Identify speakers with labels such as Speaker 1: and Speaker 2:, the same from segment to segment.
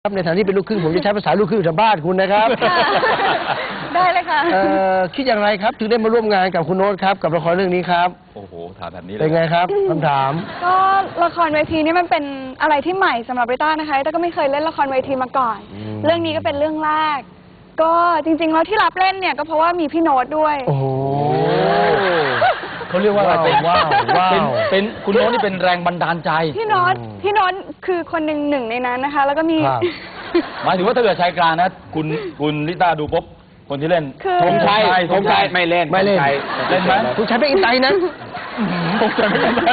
Speaker 1: ครับในฐานะที่เป็นลูกครึ่งผมจะใช้ภาษาลูกครึ่งชาวบ้านคุณนะครับ
Speaker 2: ได้เลยค่ะ
Speaker 1: คิดอย่างไรครับถึงได้มาร่วมงานกับคุณโน้ตครับกับละครเรื่องนี้ครับ
Speaker 3: โอ้โหถามแบบนี้เลย
Speaker 1: เป็นไงครับคำถาม
Speaker 2: ก็ละครเวทีนี่มันเป็นอะไรที่ใหม่สำหรับริต้านะคะริต้าก็ไม่เคยเล่นละครเวทีมาก่อนเรื่องนี้ก็เป็นเรื่องแรกก็จริงๆแล้วที่รับเล่นเนี่ยก็เพราะว่ามีพี่โน้ตด้วย
Speaker 1: โอ้โหเขาเรียกว่าอะไรว้าว
Speaker 3: เป็นคุณโน้ตนี่เป็นแรงบันดาลใจ
Speaker 2: พี่โน้ตคือคนหนึ่งในนั้นนะคะแล้วก็มี
Speaker 3: หมายถึงว่าถ้าเกิดชายกลางนะคุณลิต้าดูปุ๊บคนที่เล่น
Speaker 1: ธงชัยไม่เล่น
Speaker 3: เล่นไหม
Speaker 1: ธงชัยไม่อินไตนะ
Speaker 3: ธงชัยไม่อินไต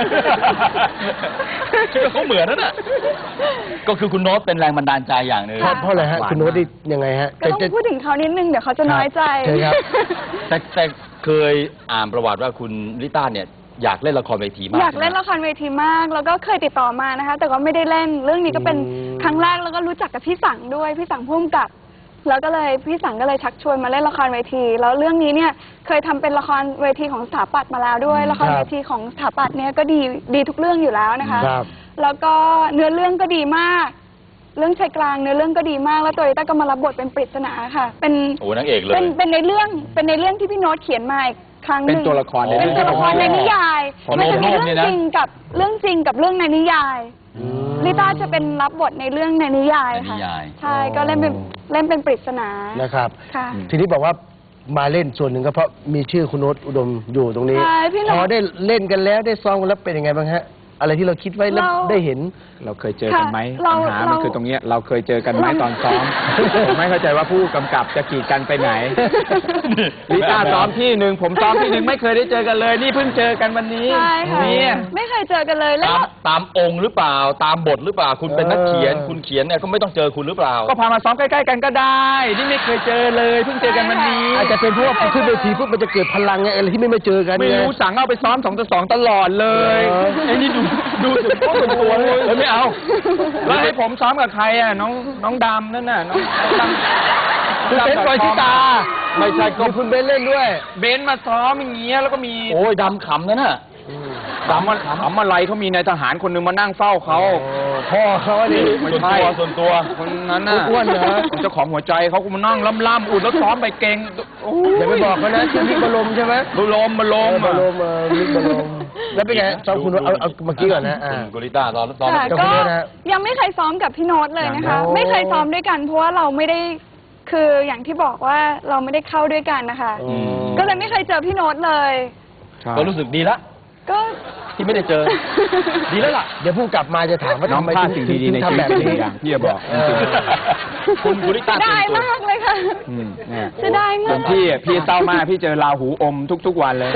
Speaker 3: ชื่อเขาเหมือนนั่นน่ะก็คือคุณโน้ตเป็นแรงบันดาลใจอย่างหนึ่ง
Speaker 1: เพราะอะไรฮะคุณโน้ตยังไงฮะ
Speaker 2: ก็ต้องพูดถึงเขานิดนึงเดี๋ยวเขาจะน้อยใจ
Speaker 1: ใช่ครับ
Speaker 3: แต่เคยอ่านประวัติว่าคุณลิต้าเนี่ยอยากเล่นละครเวทีมาก
Speaker 2: อยากเล่นละครเวทีมากแล้วก็เคยติดต่อมานะคะแต่ก็ไม่ได้เล่นเรื่องนี้ก็เป็นครั้งแรกแล้วก็รู้จักกับพี่สังด้วยพี่สังพุ่มกับแล้วก็เลยพี่สังก็เลยชักชวนมาเล่นละครเวทีแล้วเรื่องนี้เนี่ยเคยทำเป็นละครเวทีของสถาปัตย์มาแล้วด้วยละครเวทีของสถาปัตย์เนี่ยก็ดีทุกเรื่องอยู่แล้วนะคะแล้วก็เนื้อเรื่องก็ดีมากเรื่องชายกลางเนื้อเรื่องก็ดีมากแล้วตัวริต้าก็มารับบทเป็นปริศนาค่ะเป็น
Speaker 3: โอ้นางเอกเลย
Speaker 2: เป็นในเรื่องที่พี่โน้ตเขียนมาครั้งหนึ่ง
Speaker 1: เป็นตัวละคร
Speaker 2: ในนิยายมันจะมีเรื่องจริงกับเรื่องในนิยายลิต้าจะเป็นรับบทในเรื่องในนิยายค่ะใช่ก็เล่นเป็นปริศนา
Speaker 1: นะครับทีนี้บอกว่ามาเล่นส่วนหนึ่งก็เพราะมีชื่อคุณโน้ตอุดมอยู่ตรงนี้พอได้เล่นกันแล้วได้ซ้อมกันแล้วเป็นยังไงบ้างฮะอะไรที่เราคิดไว้แล้วได้เห็น
Speaker 4: เราเคยเจอกันไหมปัญหามันคือตรงนี้เราเคยเจอกันไหมตอนซ้อมผมไม่เข้าใจว่าผู้กำกับจะกีดกันไปไหนลิต้าซ้อมที่หนึ่งผมซ้อมที่หนึ่งไม่เคยได้เจอกันเลยนี่เพิ่งเจอกันวันนี้
Speaker 2: นี่ไม่เคยเจอกันเลยแล้ว
Speaker 3: ตามองค์หรือเปล่าตามบทหรือเปล่าคุณเป็นนักเขียนคุณเขียนเนี่ยก็ไม่ต้องเจอคุณหรือเปล่า
Speaker 4: ก็พามาซ้อมใกล้ๆกันก็ได้นี่ไม่เคยเจอเลยเพิ่งเจอกันวันนี้
Speaker 1: อาจจะเป็นเพราะว่าขึ้นเวทีปุ๊บมันจะเกิดพลังไงอะไรที่ไม่เจอกัน
Speaker 4: ไม่รู้สั่งเอาไปซ้อม2-2ตลอดเลย
Speaker 3: ไอ้นี่ดูถึงส่วนตัวเลยไม่เอา
Speaker 4: แล้วให้ผมซ้อมกับใครอ่ะน้องดำนั่นน่ะน้องดำ
Speaker 1: คุณเบนซ์ปอยชิตา
Speaker 3: ไม่ใช่ก็
Speaker 1: คุณเบนซ์เล่นด้วย
Speaker 4: เบนซ์มาซ้อมอย่างเงี้ยแล้วก็มี
Speaker 3: โอ้ยดำขำนั่นน่ะ
Speaker 4: ดำอะไรเขามีนายทหารคนหนึ่งมานั่งเฝ้าเขา
Speaker 1: พ่อเขาดิ
Speaker 3: ส่วนตัว
Speaker 4: คนนั้นน่ะ
Speaker 1: อ้วนเหรอ
Speaker 4: เจ้าของหัวใจเขาก็มานั่งล่ำอุ่นแล้วซ้อมไปเก่ง
Speaker 1: อย่าไปบอกเขานะชื่อมิกบอลมใช่ไหม
Speaker 4: บอลม
Speaker 1: มิกบอลมแล้วเป็นไงซ้อมคุณเอาเมื่อกี้ก่อนนะ
Speaker 3: กุลิต้าตอน
Speaker 2: ยังไม่เคยซ้อมกับพี่โน้ตเลยนะคะไม่เคยซ้อมด้วยกันเพราะว่าเราไม่ได้คืออย่างที่บอกว่าเราไม่ได้เข้าด้วยกันนะคะก็เลยไม่เคยเจอพี่โน้ตเลย
Speaker 3: ก็รู้สึกดีละ
Speaker 2: ก็
Speaker 3: ที่ไม่ได้เจอดีแล้วล่ะ
Speaker 1: เดี๋ยวผู้กลับมาจะถามว่า
Speaker 4: น้องพลาดสิ่งดีๆในชีวิตพี่จะบอก
Speaker 3: คุณกุลิต้า
Speaker 2: ได้มากเลยค่ะจะได้มาก
Speaker 4: พี่เศร้ามากพี่เจอราหูอมทุกวันเลย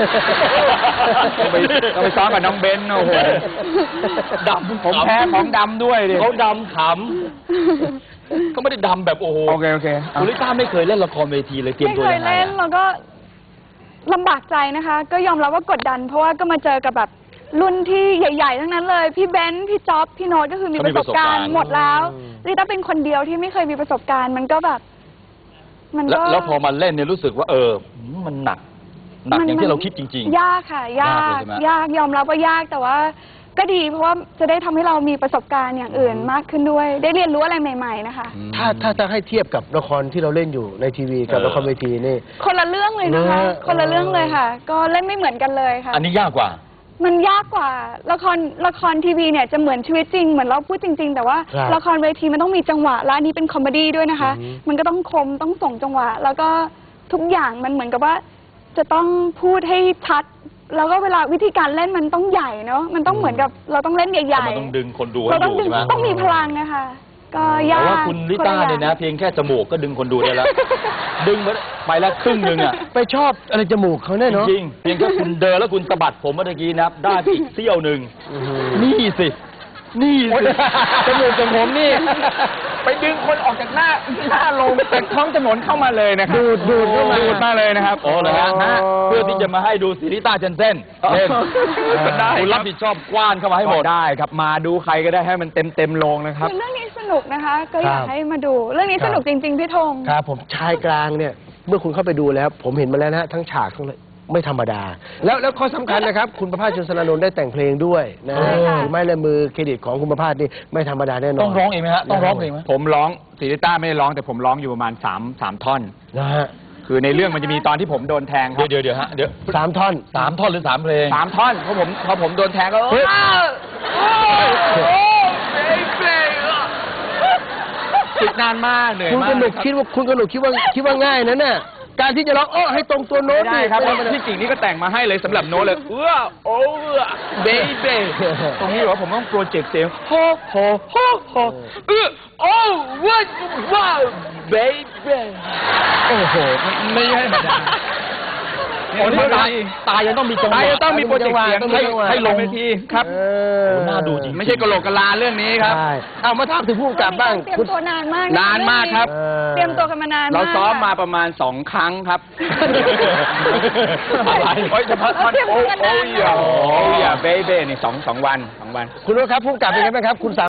Speaker 4: ต้องไปซ้อมกับน้องเบนโอ้โห
Speaker 3: ดำ
Speaker 4: ผมแพ้ของดำด้วยดิ
Speaker 3: เขาดำขำก็ไม่ได้ดำแบบโอ้โห
Speaker 4: โอเค
Speaker 3: กุลิต้าไม่เคยเล่นละครเวทีเลยเตรียมตัวยังไง
Speaker 2: ไม่เคยเล่นแล้วก็ลำบากใจนะคะก็ยอมรับว่ากดดันเพราะว่าก็มาเจอกับแบบรุ่นที่ใหญ่ๆทั้งนั้นเลยพี่เบนซ์พี่จ๊อบพี่โน้ตก็คือมีประสบการณ์หมดแล้วลิต้าเป็นคนเดียวที่ไม่เคยมีประสบการณ์มันก็แบบ
Speaker 3: มันก็แล้วพอมาเล่นเนี่ยรู้สึกว่ามันหนักอย่างที่เราคิดจริง
Speaker 2: ๆยากค่ะยากยอมรับว่ายากแต่ว่าก็ดีเพราะว่าจะได้ทำให้เรามีประสบการณ์อย่างอื่นมากขึ้นด้วยได้เรียนรู้อะไรใหม่ๆนะคะ
Speaker 1: ถ้าให้เทียบกับละครที่เราเล่นอยู่ในทีวีกับละครเวทีนี่
Speaker 2: คนละเรื่องเลยนะคะคนละเรื่องเลยค่ะก็เล่นไม่เหมือนกันเลยค่ะ
Speaker 3: อันนี้ยากกว่า
Speaker 2: มันยากกว่าละครทีวีเนี่ยจะเหมือนชีวิตจริงเหมือนเราพูดจริงๆแต่ว่าละครเวทีมันต้องมีจังหวะและอันนี้เป็นคอมเมดี้ด้วยนะคะมันก็ต้องคมต้องส่งจังหวะแล้วก็ทุกอย่างมันเหมือนกับว่าจะต้องพูดให้ชัดแล้วก็เวลาวิธีการเล่นมันต้องใหญ่เนาะมันต้องเหมือนกับเราต้องเล่นใหญ่
Speaker 3: ๆมันต้องดึงคนดูให้ดูใช่ไหม
Speaker 2: ต้องมีพลังนะคะก็ยาก
Speaker 3: แต่ว่าคุณลิต้าเนี่ยนะเพียงแค่จมูกก็ดึงคนดูได้แล้วดึงไปแล้วครึ่งนึงอ่ะ
Speaker 1: ไปชอบอะไรจมูกเขาแน่เนาะ
Speaker 3: จริงเพียงแค่คุณเดินแล้วคุณสะบัดผมเมื่อกี้นะได้อีกเสี้ยวหนึ่งนี่สิ
Speaker 4: จมูกของผมนี่ไปดึงคนออกจากหน้าลงจากท้องถนนเข้ามาเลยนะครับ
Speaker 1: ดูด
Speaker 4: มาเลยนะครับ
Speaker 3: โอ้เลยฮะเพื่อที่จะมาให้ดูซิลิต้าเจนเซ่นเล่นคุณรับผิดชอบกว้านเข้ามาให้หมด
Speaker 4: ได้ครับมาดูใครก็ได้ให้มันเต็มโรงนะครับ
Speaker 2: เรื่องนี้สนุกนะคะก็อยากให้มาดูเรื่องนี้สนุกจริงๆพี่ธง
Speaker 1: ครับผมชายกลางเนี่ยเมื่อคุณเข้าไปดูแล้วผมเห็นมาแล้วนะทั้งฉากทั้งไม่ธรรมดา แล้วข้อสำคัญนะครับ คุณประภาส ชนสนานนท์ได้แต่งเพลงด้วยนะ
Speaker 2: ใช่ค่ะ
Speaker 1: ถือไม้ลายมือเครดิตของคุณประภาสนี่ไม่ธรรมดาแน่นอน
Speaker 3: ต้องร้องเองไหมฮะต้องร้องเพลงไหม
Speaker 4: ผมร้องศิริต้าไม่ได้ร้องแต่ผมร้องอยู่ประมาณ3 ท่อน
Speaker 1: นะฮะ
Speaker 4: คือในเรื่องมันจะมีตอนที่ผมโดนแทงครับ
Speaker 3: เดี๋ยวฮะเดี๋ยว
Speaker 1: 3 ท่อน
Speaker 3: 3 ท่อนหรือ 3 เพลง
Speaker 4: 3 ท่อนพอผมโดนแทงก็
Speaker 1: เฮ้ย
Speaker 4: ติดนานมากเหนื่อย
Speaker 1: คุณ
Speaker 4: มาก
Speaker 1: กนกคิดว่าง่ายนะเนี่ยการที่จะร้องให้ตรงตัวโน้
Speaker 4: ไม่
Speaker 1: ต
Speaker 4: ได้
Speaker 1: นี่
Speaker 4: ครับ
Speaker 1: ไม่ได้
Speaker 4: ที่จริงนี่ก็แต่งมาให้เลยสำหรับโน้ตเลยเบเบตรงนี้เหรอผมต้องโปรเจกต์เสียงโฮว้าวเบเบ
Speaker 1: โอ้โห
Speaker 4: ไม่ใช่ธรรมดา
Speaker 3: โอ้นี่ตายยังต้องมีจังหวะ
Speaker 4: ต้องมีโปรเจกต์เสียงให้ลงเวทีครับ
Speaker 3: น่าดูจริง
Speaker 4: ไม่ใช่กะโหลกกะลาเรื่องนี้ครับ
Speaker 1: ใช่เอามาถามถึงผู้กำกับบ้าง
Speaker 2: เตรียม
Speaker 1: คุณ
Speaker 2: ตัวนานมาก
Speaker 4: นานมากครับ
Speaker 2: เตรียมตัวกันมานานมาก
Speaker 4: เราซ้อมมาประมาณ2 ครั้งครับ
Speaker 3: อะไร
Speaker 4: โอ้ยเฉพาะท่อน
Speaker 2: เตรียมตัวกันนานมาก
Speaker 4: โอ้ยเบเบ้นี่2 วัน
Speaker 1: คุณโน้ตครับผู้กำกับเป็นไงบ้างครับคุณ